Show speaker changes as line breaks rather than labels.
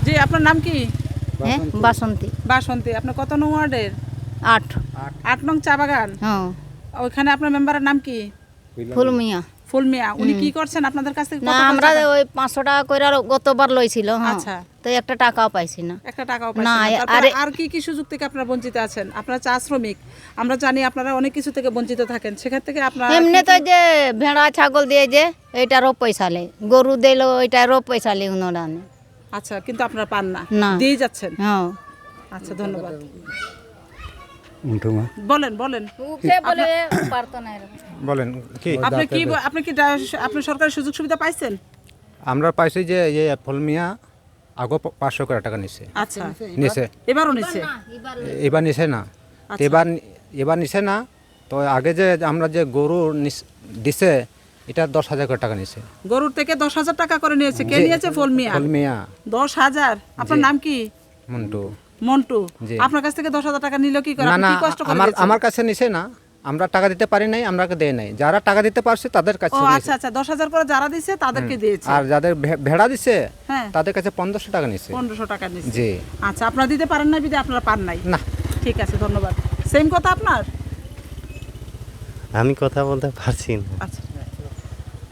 জি, আপনার নাম কি?
হ্যাঁ বাসন্তী।
বাসন্তী। আপনার কত নং ওয়ার্ডের?
8।
8 নং চা বাগান।
হ্যাঁ
ওইখানে আপনার মেম্বারের নাম কি?
ফুল মিয়া।
ফুল মিয়া। উনি কি করছেন আপনাদের কাছ থেকে?
না
কত
আমরা
টাকা?
ওই 500 টাকা করে আর গতবার লইছিল। হ্যাঁ
আচ্ছা।
তো একটা টাকাও পাইছি না।
একটা টাকাও
না,
পাচ্ছেন না। তারপরে
আরে
আর কি কি সুযোগ থেকে আপনারা বঞ্চিত আছেন? আপনারা চা শ্রমিক, আমরা জানি আপনারা অনেক কিছু থেকে বঞ্চিত থাকেন, সেখান থেকে আপনারা
এমনি তো যে ভেড়া ছাগল দিয়ে যে এইটারও পয়সা লে, গরু দিল ওইটারও পয়সা লে উনারা নে।
আচ্ছা, কিন্তু আপনারা পান না,
না।
দিয়ে যাচ্ছেন।
হ্যাঁ
আচ্ছা, ধন্যবাদ। বলেন বলেন
বলে পারতো না এরকম।
বলেন কি
আপনি কি আপনি সরকারি সুযোগ সুবিধা পাইছেন?
আমরা পাইছি যে ফুলমিয়া আগো 500 করে টাকা নিছে
আচ্ছা,
নিছে
এবারও নিচ্ছে।
এবার নিছে না।
আচ্ছা।
এবার নিছে না। তো আগে যে আমরা যে গরু দিছে এটা 10,000 করে টাকা নিছে।
গরুর থেকে 10,000 টাকা করে নিয়েছে। কে নিয়েছে? ফুলমিয়া।
ফুলমিয়া
10,000। আপনার
জি।
নাম কি?
মন্টু।
মন্টু।
জি।
আপনার কাছ থেকে 10,000 টাকা নিল কি করে?
না
আপনি
না
কি কষ্ট করে
আমার
দিয়েছেন?
আমার কাছে নিছে না। আমরা টাকা দিতে পারি নাই, আমরাকে দেয় নাই। যারা টাকা দিতে পারছে তাদের
ও
কাছে
আচ্ছা আচ্ছা, 10,000 করে যারা দিয়েছে তাদেরকে দিয়েছে।
আর যাদের ভেড়া দিছে
হ্যাঁ,
তাদের কাছে 1500 টাকা নিছে।
1500 টাকা নিয়েছে।
জি।
আচ্ছা, আপনারা দিতে পারেন না বিধে আপনারা পান নাই।
না।
ঠিক আছে, ধন্যবাদ। সেম কথা আপনার?
আমি কথা বলতে পারছি না।
আচ্ছা।